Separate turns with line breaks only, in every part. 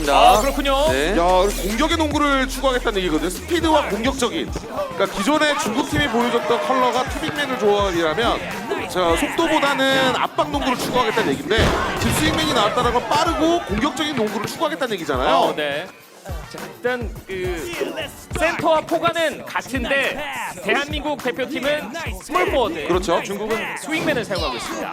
있습니다.
아, 그렇군요.
네.
야, 공격의 농구를 추구하겠다는 얘기거든요. 스피드와 공격적인. 그러니까 기존에 중국 팀이 보여줬던 컬러가 투빅맨을 좋아하려면 속도보다는 압박 농구를 추구하겠다는 얘기인데 지금 스윙맨이 나왔다는 건 빠르고 공격적인 농구를 추구하겠다는 얘기잖아요.
네. 자, 일단 그 센터와 포가는 같은데 대한민국 대표팀은 스몰 포워드.
그렇죠.
중국은 스윙맨을 사용하고 있습니다.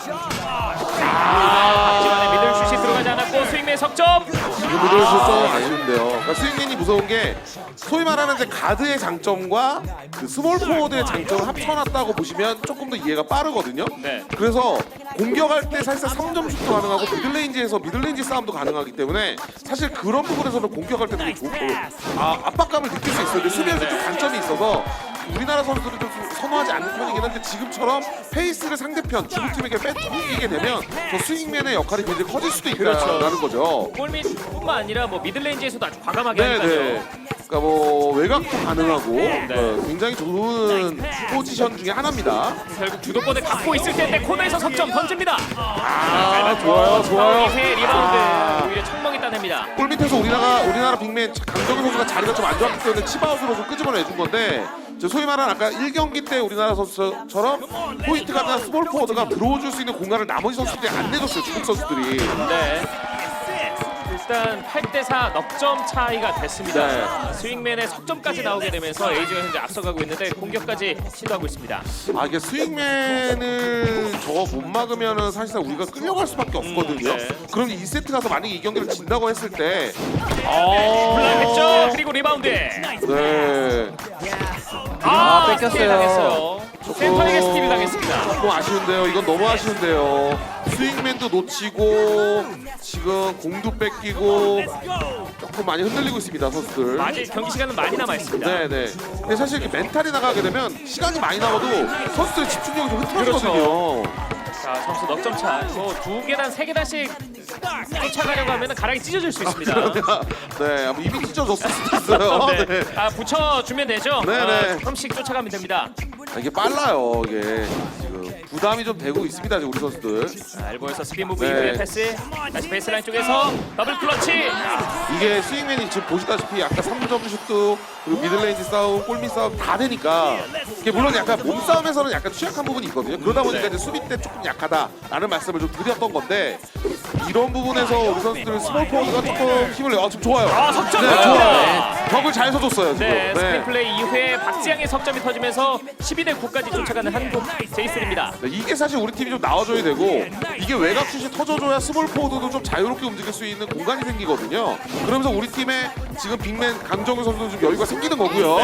박지원의 미들슛이 들어가지 않았고 스윙맨 석점.
지금 미들슛 좀 아쉬운데요. 그러니까 스윙맨이 무서운 게 소위 말하는 이제 가드의 장점과 그 스몰 포워드의 장점을 합쳐놨다고 보시면 조금 더 이해가 빠르거든요.
네.
그래서 공격할 때 사실상 3점 슛도 가능하고 미들레인지에서 미들레인지 싸움도 가능하기 때문에 사실 그런 부분에서는 공격할 때 되게 좋고 압박감을 느낄 수 있어요. 근데 수비에서 좀 단점이 있어서 우리나라 선수들은 좀 선호하지 않는 편이긴 한데 지금처럼 페이스를 상대편 중국팀에게 뺏기게 되면 저 스윙맨의 역할이 굉장히 커질 수도 있다는 거죠.
골밑뿐만 아니라 뭐 미들레인지에서도 아주 과감하게
네네.
하니까요.
그러니까 뭐 외곽도 가능하고 굉장히 좋은 포지션 중에 하나입니다.
결국 주도권을 갖고 있을 텐데 코너에서 석점 던집니다.
좋아요, 좋아요.
이후에 리바운드 오히려 청멍이 따냅니다.
골 밑에서 우리나라 빅맨 강정희 선수가 자리가 좀 안 좋았기 때문에 치바웃으로 좀 끄집어내준 건데 소위 말하는 아까 1경기 때 우리나라 선수처럼 포인트 가드나 스몰 포워드가 들어줄 수 있는 공간을 나머지 선수들이 안 내줬어요. 중국 선수들이.
네. 일단 8대4 넉점 차이가 됐습니다.
네.
스윙맨의 석점까지 나오게 되면서 에이지가 현재 앞서가고 있는데 공격까지 시도하고 있습니다.
이게 스윙맨을 저거 못 막으면은 사실상 우리가 끌려갈 수밖에 없거든요.
네.
그럼 2세트 가서 만약에 이 경기를 진다고 했을 때
블락했죠. 그리고 리바운드.
네.
뺏겼어요.
스틸 당했어요. 센터에게 스틸이 당했습니다.
조금 아쉬운데요. 이건 너무 아쉬운데요. 스윙맨도 놓치고 지금 공도 뺏기고 조금 많이 흔들리고 있습니다 선수들.
아직 경기 시간은 많이 남아 있습니다.
네네. 근데 사실 이렇게 멘탈이 나가게 되면 시간이 많이 남아도 선수들의 집중력이 좀 흐트러지거든요.
자, 점수 넉점 차. 뭐 2계단, 3계단씩 쫓아가려고 하면 가랑이 찢어질 수 있습니다.
네, 아마 입이 찢어졌을 수도 있어요.
네.
네.
붙여주면 되죠?
네네.
조금씩 쫓아가면 됩니다.
이게 빨라요. 이게 지금 부담이 좀 되고 있습니다. 지금 우리 선수들.
자, 엘보에서 스핀 무브
네.
이후에 패스. 다시 베이스라인 쪽에서 더블 클러치.
이게 스윙맨이 지금 보시다시피 아까 3점 슛도 그리고 미들레인지 싸움, 골밑 싸움 다 되니까 이게 물론 약간 몸싸움에서는 약간 취약한 부분이 있거든요. 그러다 보니까 이제 수비 때 조금 약하다라는 말씀을 좀 드렸던 건데 이런 부분에서 우리 선수들은 스몰 포워드가 조금 힘을 내요. 지금 좋아요.
석점
네,
들어갑니다.
좋아요. 벽을 잘 서줬어요 지금.
네, 스크린 플레이 이후에 박지양의 석점이 터지면서 12대 9까지 쫓아가는 한국 제이슬입니다.
네, 이게 사실 우리 팀이 좀 나와줘야 되고 이게 외곽 슛이 터져줘야 스몰 포워드도 좀 자유롭게 움직일 수 있는 공간이 생기거든요. 그러면서 우리 팀의 지금 빅맨 강정우 선수도 좀 여유가 생기는 거고요.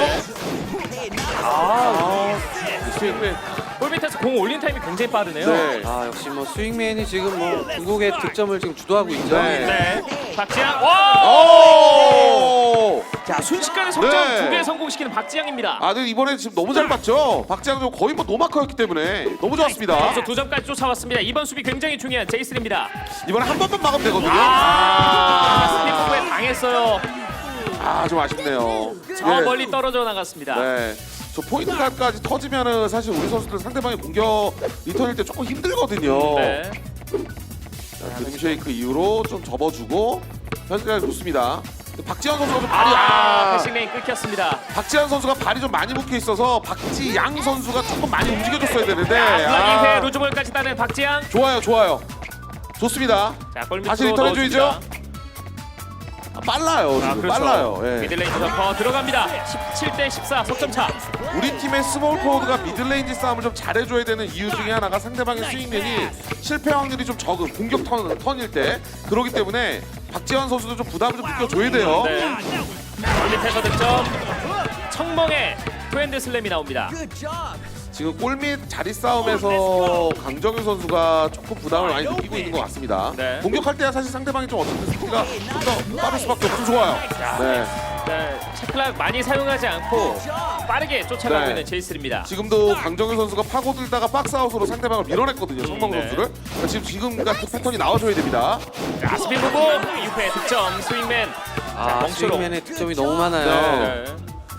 스윙맨. 골 밑에서 공 올린 타임이 굉장히 빠르네요.
네.
역시 뭐 스윙맨이 지금 뭐 중국의 득점을 지금 주도하고 있죠.
네.
네. 박지양. 와!
오!
자, 순식간에 석점
네.
2개 성공시키는 박지양입니다.
근데 이번에 지금 너무 잘 봤죠? 박지양 선수 거의 뭐 노마커였기 때문에 너무 좋았습니다.
그래서 2점까지 쫓아왔습니다. 이번 수비 굉장히 중요한 제이슬입니다.
이번에 한 번만 막으면 되거든요.
스피드 부부에 당했어요.
좀 아쉽네요.
저 멀리 떨어져 나갔습니다.
네. 저 포인트 가드까지 터지면은 사실 우리 선수들 상대방의 공격 리턴일 때 조금 힘들거든요.
네.
자, 드림 쉐이크 이후로 좀 접어주고 현재까지 좋습니다. 근데 박지현 선수가 좀 발이
패싱 레인 끊겼습니다.
박지현 선수가 발이 좀 많이 묶여 있어서 박지양 선수가 조금 많이 움직여줬어야 되는데
블락 이후에 루즈볼까지 따낸 박지양.
좋아요. 좋습니다.
자, 골
다시
밑으로
리턴 해줘야죠.
넣어줍니다.
빨라요. 지금
그렇죠.
빨라요. 예.
미들레인지 점퍼 들어갑니다. 17대 14 석점 차.
우리 팀의 스몰 포워드가 미들레인지 싸움을 좀 잘해줘야 되는 이유 중에 하나가 상대방의 스윙맨이 실패 확률이 좀 적은 공격 턴일 때 그렇기 때문에 박지현 선수도 좀 부담을 좀 느껴줘야 돼요.
네. 골 밑에서 득점. 청멍의 투핸드 슬램이 나옵니다.
지금 골밑 자리 싸움에서 강정윤 선수가 조금 부담을 많이 느끼고 있는 것 같습니다.
네.
공격할 때야 사실 상대방이 좀 어쨌든 스피드가 좀 더 빠를 수밖에 없어. 좋아요. 네.
네, 체클락 많이 사용하지 않고 빠르게 쫓아가고
네.
있는 제이슬입니다.
지금도 강정윤 선수가 파고들다가 박스아웃으로 상대방을 밀어냈거든요. 성공
네.
선수를. 그러니까 지금 같은 패턴이 나와줘야 됩니다.
자, 스핀 무브 이후에 득점 스윙맨. 자, 멍초로.
스윙맨의 득점이 너무 많아요.
네.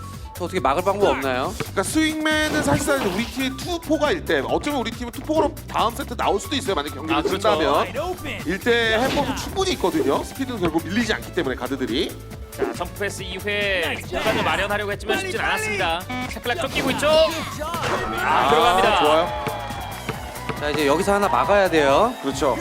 어떻게 막을 방법 없나요?
그러니까 스윙맨은 사실상 우리 팀이 2-4가일 때 어쩌면 우리 팀은 2-4로 다음 세트 나올 수도 있어요. 만약 경기를
그렇죠.
끝나면 1대 할 법도 충분히 있거든요. 스피드는 결국 밀리지 않기 때문에 가드들이.
자, 점프 패스 이후에 공간을 마련하려고 했지만 쉽진 않았습니다. 샤클락 쫓기고 있죠. 들어갑니다.
좋아요.
자 이제 여기서 하나 막아야 돼요.
그렇죠.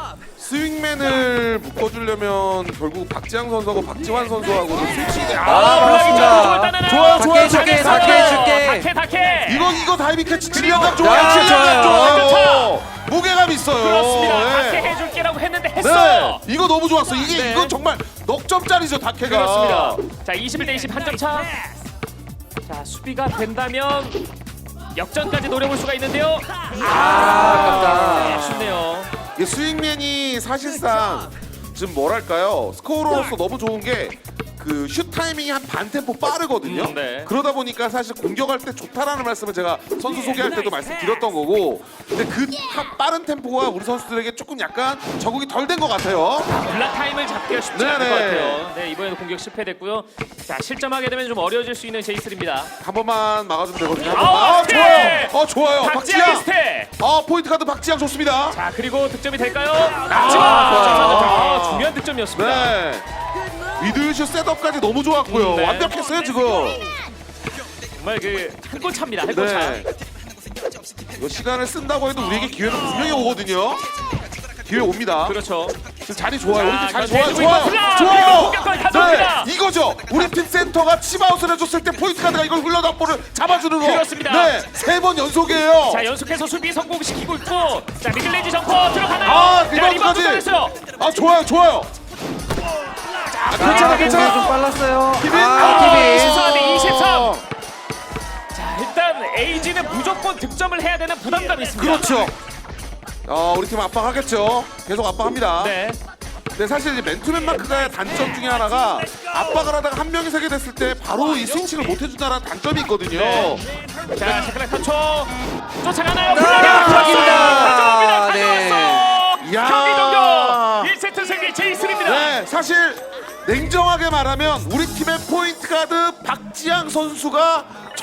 스윙맨을 묶어주려면 결국 박지향 선수하고 박지환 선수하고 스위칭이
블락이죠.
좋아요, 좋아요.
해줄게, 다케 해줄게.
다케.
이거 다이빙 캐치
그리고
질량감
야,
좋아요. 질량감
좋아요.
좋아요. 무게감 있어요.
그렇습니다.
네.
다케 해줄게라고 했는데 했어요.
네, 이거 너무 좋았어.
네.
이건 정말 넉 점짜리죠, 다케가.
그렇습니다. 자, 21대 20 한 점 차. 자, 수비가 된다면 역전까지 노려볼 수가 있는데요.
아깝다.
아쉽네요.
이 스윙맨이 사실상 지금 뭐랄까요, 스코어로서 너무 좋은 게 그 슛 타이밍이 한 반 템포 빠르거든요.
네.
그러다 보니까 사실 공격할 때 좋다라는 말씀을 제가 선수 소개할 때도 말씀드렸던 거고, 근데 그 빠른 템포가 우리 선수들에게 조금 약간 적응이 덜 된 것 같아요.
블락 타임을 잡기가 쉽지 않을
네네.
것 같아요. 네, 이번에도 공격 실패됐고요. 자, 실점하게 되면 좀 어려워질 수 있는 제이슬입니다.
한 번만 막아주면 되거든요. 한
아우,
번만.
스텝!
좋아요. 좋아요.
박지영
박지영.
스텝.
포인트 카드 박지영 좋습니다.
자, 그리고 득점이 될까요?
좋아요.
중요한 득점이었습니다.
네. 미들슛 셋업까지 너무 좋았고요.
네.
완벽했어요 지금.
정말 그 한 골 차입니다. 한 골 차.
네. 이거 시간을 쓴다고 해도 우리에게 기회는 분명히 오거든요. 기회 옵니다.
그렇죠.
지금 자리 좋아요. 우리 팀 자리
자,
좋아요.
대주고
좋아요.
있고 플라!
좋아요.
공격까지 가져옵니다.
네. 이거죠. 우리 팀 센터가 치바웃을 해줬을 때 포인트 카드가 이걸 흘러간 볼을 잡아주는 거.
그렇습니다.
네. 3번 연속이에요.
자, 연속해서 수비 성공시키고 있고, 자, 미들레인지 점퍼 들어가나요?
리바운드까지.
잘했어요.
좋아요. 좋아요. 괜찮아.
공이 좀 빨랐어요.
기빈.
기빈.
24 대 23. 자, 일단 에이지는 무조건 득점을 해야 되는 부담감이 있습니다.
그렇죠. 우리 팀 압박하겠죠. 계속 압박합니다.
네.
근데 사실 이제 맨투맨 마크가 단점 중에 하나가 압박을 하다가 한 명이 세게 됐을 때 바로 이 스위칭을 못 해준다는 단점이 있거든요.
네. 자, 샤클락 3초. 쫓아가나요?
블락입니다.
가져왔어요.
이야.
경기 종료. 1세트 승리 제이슨입니다.
네, 사실 냉정하게 말하면 우리 팀의 포인트 가드 박지향 선수가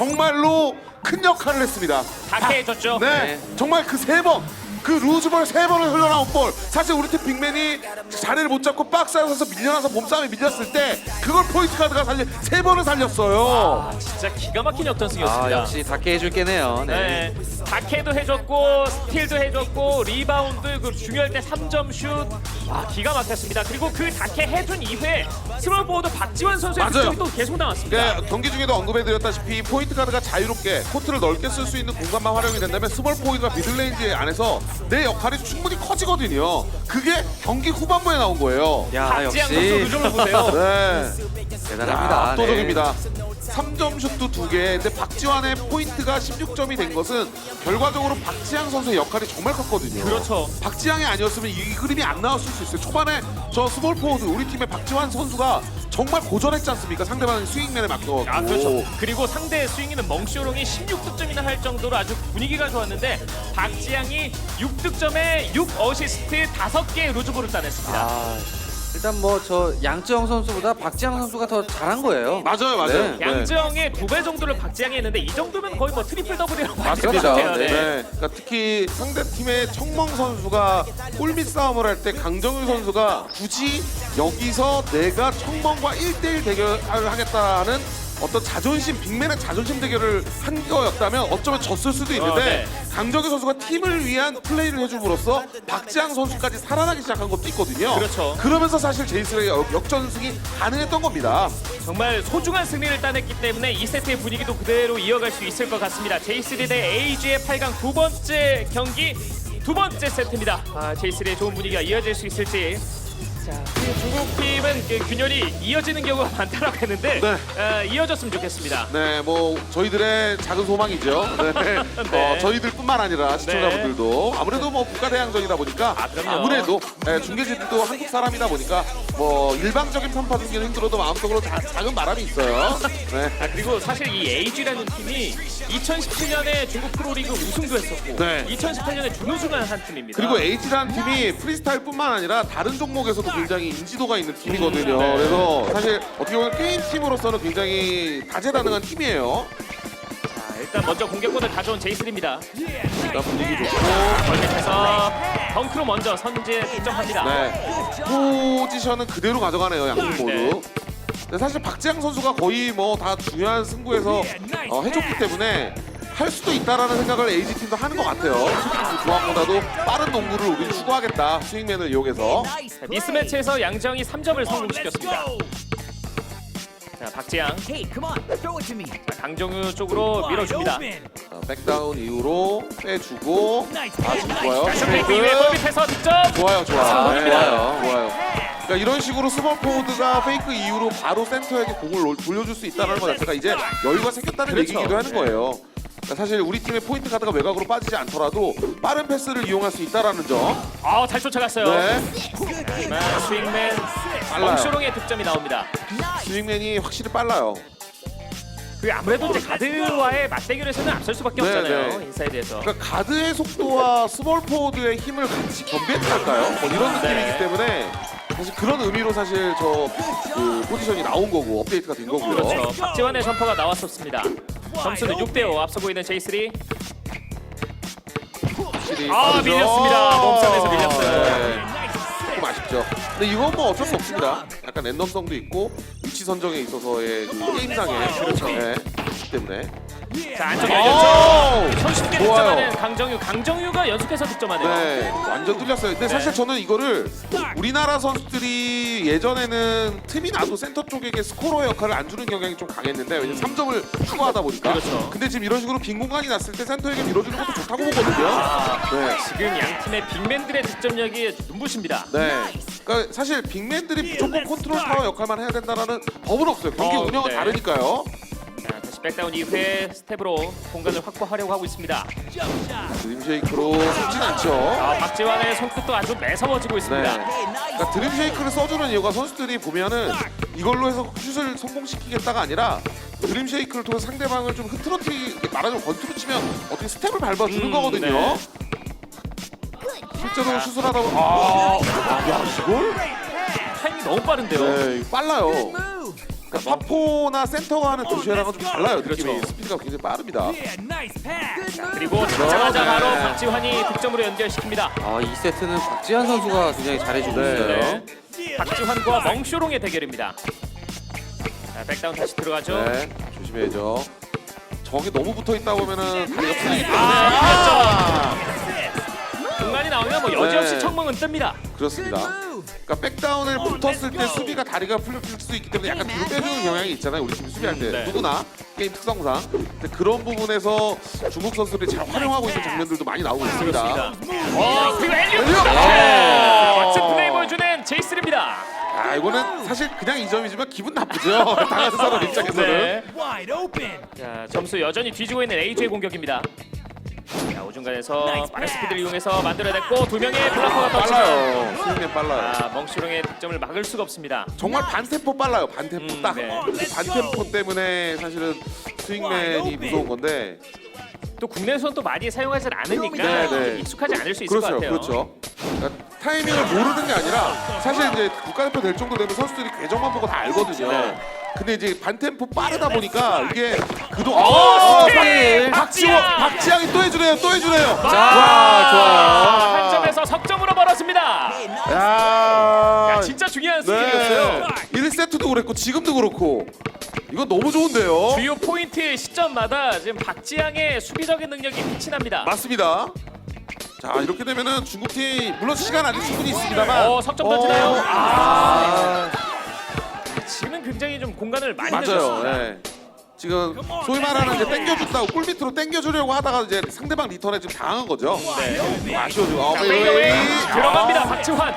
정말로 큰 역할을 했습니다.
다케 해줬죠.
네, 정말 그 3번, 그 루즈볼 3번을 흘러나온 볼. 사실 우리 팀 빅맨이 자리를 못 잡고 박스 안에서 밀려나서 몸싸움에 밀렸을 때 그걸 포인트 가드가 3번을 살렸어요.
진짜 기가 막힌 역전승이었습니다.
역시 다케 해줄게네요. 네.
네. 다케도 해줬고 스틸도 해줬고 리바운드 그 중요할 때 3점 슛. 와, 기가 막혔습니다. 그리고 그 다케 해준 이후에 스몰보드 박지원 선수의
맞아요.
득점이 또 계속 나왔습니다.
그러니까 경기 중에도 언급해드렸다시피 포인트 가드가 자유롭게 코트를 넓게 쓸 수 있는 공간만 활용이 된다면 스몰 포인트가 미들레인지 안에서 내 역할이 충분히 커지거든요. 그게 경기 후반부에 나온 거예요.
야
박지영 선수
역시
누점을 보세요.
네.
대단합니다.
압도적입니다. 3점 슛도 2개. 근데 박지환의 포인트가 16점이 된 것은 결과적으로 박지향 선수의 역할이 정말 컸거든요.
그렇죠.
박지향이 아니었으면 이 그림이 안 나왔을 수 있어요. 초반에 저 스몰 포워드 우리 팀의 박지환 선수가 정말 고전했지 않습니까? 상대방의 스윙맨에 맡겨갖고.
아, 그렇죠. 그리고 상대 스윙이는 멍쇼롱이 16득점이나 할 정도로 아주 분위기가 좋았는데 박지향이 6득점에 6어시스트 5개의 루즈볼을 따냈습니다.
아, 일단 뭐 저 양지영 선수보다 박지영 선수가 더 잘한 거예요.
맞아요.
네.
양정의 2배 정도를 박지향이 했는데 이 정도면 거의 뭐 트리플 더블이라고 할 것
맞습니다.
같아요.
네.
네.
그러니까 특히 상대 팀의 청멍 선수가 골밑 싸움을 할 때 강정윤 선수가 굳이 여기서 내가 청멍과 1대1 대결을 하겠다는 어떤 자존심, 빅맨의 자존심 대결을 한 거였다면 어쩌면 졌을 수도 있는데 강정윤 선수가 팀을 위한 플레이를 해줌으로써 박지향 선수까지 살아나기 시작한 것도 있거든요.
그렇죠.
그러면서 사실 제이슨의 역전승이 가능했던 겁니다.
정말 소중한 승리를 따냈기 때문에 2세트의 분위기도 그대로 이어갈 수 있을 것 같습니다. 제이스리 대 에이지의 8강 두 번째 경기 두 번째 세트입니다. 제이스리의 좋은 분위기가 이어질 수 있을지. 자, 중국 팀은 그 균열이 이어지는 경우가 많다라고 했는데 이어졌으면 좋겠습니다.
네, 뭐 저희들의 작은 소망이죠. 네.
네.
저희들뿐만 아니라 시청자분들도 아무래도 뭐 국가대항전이다 보니까
그럼요.
아무래도 중계진들도 한국 사람이다 보니까 뭐 일방적인 편파 중계는 힘들어도 마음속으로 작은 바람이 있어요. 네.
그리고 사실 이 에이지라는 팀이 2017년에 중국 프로리그 우승도 했었고
네.
2018년에 준우승을 한 팀입니다.
그리고 H라는 팀이 프리스타일뿐만 아니라 다른 종목에서도 굉장히 인지도가 있는 팀이거든요.
네.
그래서 사실 어떻게 보면 게임 팀으로서는 굉장히 다재다능한 팀이에요.
자, 일단 먼저 공격권을 가져온 제이슬입니다.
일단 분위기 좋고
멀밑에서 덩크로 먼저 선제 득점합니다.
네. 포지션은 그대로 가져가네요, 양팀 모두.
네.
근데 사실 박지향 선수가 거의 뭐 다 중요한 승부에서 해줬기 때문에 할 수도 있다라는 생각을 AG 팀도 하는 것 같아요. 그 조합보다도 빠른 농구를 우리는 추구하겠다. 스윙맨을 이용해서.
자, 미스매치에서 양정이 3점을 성공시켰습니다. 자, 박지양,
Hey, come on, throw it to me.
자, 강정우 쪽으로 밀어줍니다.
자, 백다운 이후로 빼주고 지금 좋아요.
다시 페이크 이후에 멀밑에서 득점.
좋아요.
성공입니다.
좋아요. 그러니까 이런 식으로 스몰 포워드가 페이크 이후로 바로 센터에게 공을 돌려줄 수 있다는 것 자체가 이제 여유가 생겼다는
그렇죠.
얘기이기도 하는 거예요. 그러니까 사실 우리 팀의 포인트 가드가 외곽으로 빠지지 않더라도 빠른 패스를 이용할 수 있다는 점.
잘 쫓아갔어요.
네.
하지만 스윙맨
빨라요.
멍쇼롱의 득점이 나옵니다.
스윙맨이 확실히 빨라요.
그 아무래도 이제 가드와의 맞대결에서는 앞설 수밖에
네,
없잖아요.
네.
인사이드에서.
그러니까 가드의 속도와 스몰 포워드의 힘을 같이 겸비했달까요? 뭐 이런 느낌이기
네.
때문에 사실 그런 의미로 사실 그 포지션이 나온 거고 업데이트가 된 거고요.
그렇죠. 박지환의 점퍼가 나왔었습니다. 점수는 6대5 앞서고 있는 J3.
확실히
아,
빠르죠?
밀렸습니다. 몸싸움에서 밀렸어요.
네. 조금 아쉽죠. 근데 이건 뭐 어쩔 수 없습니다. 약간 랜덤성도 있고 위치 선정에 있어서의 그 게임상의 그렇죠. 네. 그렇기 때문에.
자, 안쪽 열렸죠.
오!
손쉽게
좋아요.
득점하는 강정유. 강정유가 연속해서 득점하네요.
네, 완전 뚫렸어요. 근데 사실 저는 이거를 우리나라 선수들이 예전에는 틈이 나도 센터 쪽에게 스코러 역할을 안 주는 경향이 좀 강했는데 왜냐면 3점을 추가하다 보니까.
그렇죠.
근데 지금 이런 식으로 빈 공간이 났을 때 센터에게 밀어주는 것도 좋다고 보거든요. 네.
지금 양 팀의 빅맨들의 득점력이 눈부십니다.
네. 그러니까 사실 빅맨들이 무조건 컨트롤 타워 역할만 해야 된다는 법은 없어요. 경기 운영은
네.
다르니까요.
자, 다시 백다운 이후에 스텝으로 공간을 확보하려고 하고 있습니다.
드림쉐이크로 속진 않죠.
박지환의 손끝도 아주 매서워지고
네.
있습니다.
그러니까 드림쉐이크를 써주는 이유가 선수들이 보면은 이걸로 해서 슛을 성공시키겠다가 아니라 드림쉐이크를 통해 상대방을 좀 흐트러뜨리게 말하자면 권투로 치면 어떻게 스텝을 밟아주는 거거든요.
네.
실제로 슛을 하다 보면 야 이걸?
타이밍이 너무 빠른데요.
네, 이거 빨라요. 그러니까 파포나 센터가 하는 드림쉐이크랑은 좀 달라요. 느낌이
그렇죠.
스피드가 굉장히 빠릅니다.
그리고 잡자마자 바로 박지환이 득점으로 연결시킵니다.
2세트는 박지한 선수가 굉장히 잘해주고
네.
있어요.
박지환과 멍쇼롱의 대결입니다. 자, 백다운 다시 들어가죠.
네, 조심해야죠. 저기 너무 붙어 있다 보면은 다리가 풀리기 때문에.
공간이 나오면 뭐 여지없이
네.
청멍은 뜹니다.
그렇습니다. 그러니까 백다운을 붙었을 때 수비가 다리가 풀릴 수 있기 때문에 약간 뒤로 빼주는 경향이 있잖아요. 우리 팀 수비할 때
네.
누구나 게임 특성상. 근데 그런 부분에서 중국 선수들이 잘 활용하고 있는 장면들도 많이 나오고 있습니다.
그리고 엘리오 멋진 플레이 보여주는 제이스입니다.
아 이거는 사실 그냥 2점이지만 기분 나쁘죠. 당하는 사람 입장에서는.
네.
Wide open.
자, 점수 여전히 뒤지고 있는 AJ의 공격입니다. 자, 오중간에서 빠른 스피드를 이용해서 만들어냈고 두 명의 블락커가 터치면
빨라요. 스윙맨 빨라요.
멍쇼롱의 득점을 막을 수가 없습니다.
정말 반템포 빨라요. 반템포 딱.
네.
그 반템포 때문에 사실은 스윙맨이 무서운 건데.
또 국내에서는 또 많이 사용하지 않으니까
네, 네.
익숙하지 않을 수 있을 것
그렇죠,
같아요.
그렇죠. 그러니까 타이밍을 모르는 게 아니라 사실 이제 국가대표 될 정도 되면 선수들이 궤적만 보고 다 알거든요.
네.
근데 이제 반템포 빠르다 보니까 이게
스틸!
박지향이 또 해주네요, 또 해주네요.
한 점에서 석점으로 벌어집니다.
야,
진짜 중요한 스킬이었어요.
1세트도 그랬고 지금도 그렇고 이거 너무 좋은데요.
주요 포인트 시점마다 지금 박지향의 수비적인 능력이 빛이 납니다.
맞습니다. 자 이렇게 되면은 중국팀 물론 시간 아직 충분히 있습니다만
석점 던지나요?
아,
지금은 굉장히 좀 공간을 많이
맞아요.
내줬습니다.
네. 지금 소위 말하는 이제 땡겨준다고 꿀 밑으로 땡겨주려고 하다가 이제 상대방 리턴에 지금 당한 거죠.
네.
아쉬워지고.
자, 페이드웨이 들어갑니다. 박지환.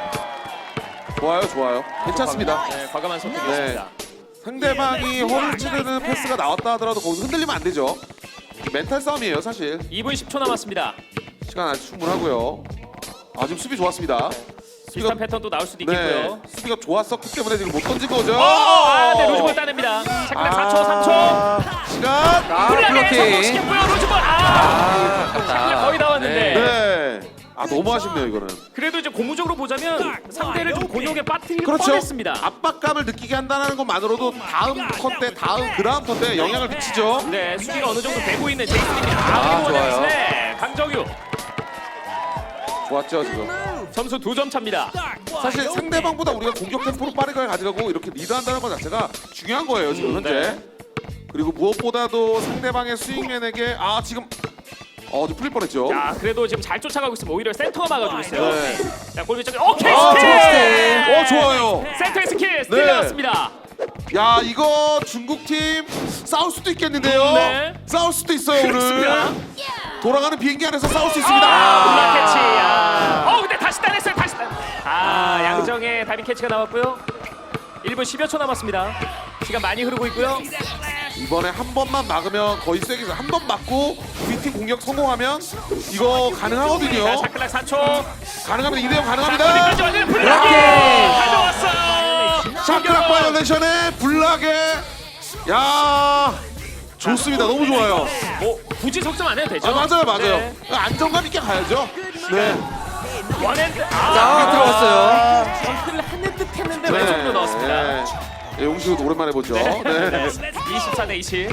좋아요. 괜찮습니다.
네, 과감한 선택이었습니다.
상대방이 허를 찌르는 패스가 나왔다 하더라도 거기서 흔들리면 안 되죠. 멘탈 싸움이에요, 사실.
2분 10초 남았습니다.
시간 아직 충분하고요. 지금 수비 좋았습니다.
비슷한 패턴도 나올 수도 있겠고요.
수비가 좋았었기 때문에 지금 못 던진 거죠.
네, 로즈볼 따냅니다. 잠깐 4초, 3초.
시간.
블락에
블로킹.
성공시켰고요. 로즈볼. 샤클락 거의 나왔는데.
네. 아 너무 아쉽네요 이거는.
그래도 이제 고무적으로 보자면 상대를 좀 곤욕에 빠뜨릴
그렇죠.
뻔했습니다.
압박감을 느끼게 한다는 것만으로도 다음 컷 때, 그 다음 컷 때 영향을 미치죠.
네, 수비가 어느 정도 되고 있는 제이슨입니다.
아, 좋아요.
네, 강정유
좋았죠 지금.
점수 2점 차입니다.
사실 상대방보다 우리가 공격 템포를 빠르게 가져가고 이렇게 리드한다는 것 자체가 중요한 거예요 지금 현재.
네.
그리고 무엇보다도 상대방의 스윙맨에게 지금 좀 풀릴 뻔했죠.
자, 그래도 지금 잘 쫓아가고 있으면 오히려 센터가 막아주고 있어요.
네.
자, 골밑 쪽에 오케이
좋았어요.
스킬!
좋아요.
센터의 스킬
네.
스틸
야 이거 중국 팀 싸울 수도 있겠는데요.
네.
싸울 수도 있어요 오늘.
그렇습니다.
돌아가는 비행기 안에서 싸울 수 있습니다.
블락 캐치. 근데 다시 따냈어요. 다시 따. 양정의 다이빙 캐치가 나왔고요. 1분 10여 초 남았습니다. 시간 많이 흐르고 있고요.
이번에 한 번만 막으면 거의 쐐기죠. 한 번 맞고 우리 팀 공격 성공하면 이거 가능하거든요.
자, 샤클락 4초.
가능하면 2대0 가능합니다.
어디까지 왔냐? 블락이 가져왔어요.
샤크락 바이올레이션의 블락에 야 좋습니다. 너무 좋아요.
뭐 굳이 속점 안 해도 되죠?
맞아요.
네.
안정감 있게 가야죠. 네.
원핸드.
들어갔어요.
점프를 하는 듯 했는데 왼손으로 넣었습니다.
네. 용식은 오랜만에 보죠. 네.
24대 20.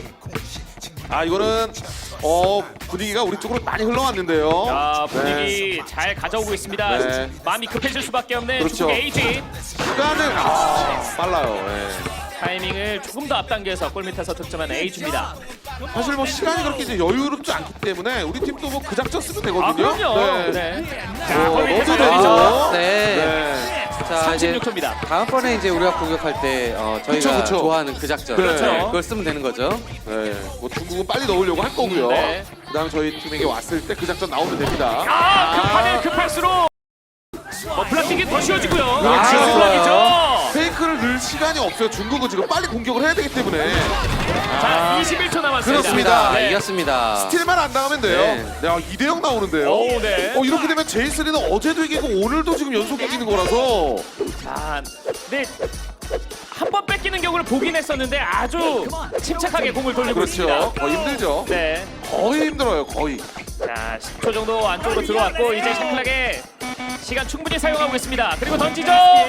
이거는 분위기가 우리 쪽으로 많이 흘러왔는데요.
분위기 잘 가져오고 있습니다.
네.
마음이 급해질 수밖에 없는
그렇죠.
중국 AG.
시간을 빨라요. 네.
타이밍을 조금 더 앞당겨서 골밑에서 득점한 AG입니다.
사실 뭐 시간이 그렇게 이제 여유롭지 않기 때문에 우리 팀도 뭐 그 작전 쓰면 되거든요.
그럼요.
네.
네. 자,
넣어도
골밑에서
되죠.
열리죠.
네.
네.
자, 이제
36초입니다.
다음번에 이제 우리가 공격할 때 저희가
그쵸.
좋아하는 그 작전
그렇죠.
그걸 쓰면 되는 거죠.
네. 뭐 중국은 빨리 넣으려고 할 거고요.
네.
그다음 저희 팀에게 왔을 때 그 작전 나오면 됩니다.
급하네 급할수록 블락킹이 더 쉬워지고요.
그렇죠.
블락이죠.
페이크를 넣을 시간이 없어요. 중국은 지금 빨리 공격을 해야 되기 때문에
자, 21초 남았습니다.
그렇습니다.
네.
이겼습니다.
스틸만 안 당하면 돼요.
네.
2대0 나오는데요.
오, 네.
이렇게 되면 제이슨이는 어제도 이기고 오늘도 지금 연속 이기는 거라서
자, 네. 한 번 뺏기는 경우를 보긴 했었는데 아주 침착하게 공을 돌리고 있습니다.
그렇죠. 거의 힘들죠.
네.
거의 힘들어요. 거의.
자, 10초 정도 안쪽으로 들어왔고 이제 샤클락의 시간 충분히 사용하고 있습니다. 그리고 던지죠.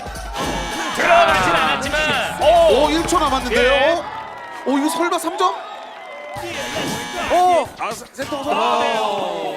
들어가진 않았지만
1초 남았는데요.
예.
이거 설마 3점? 센터가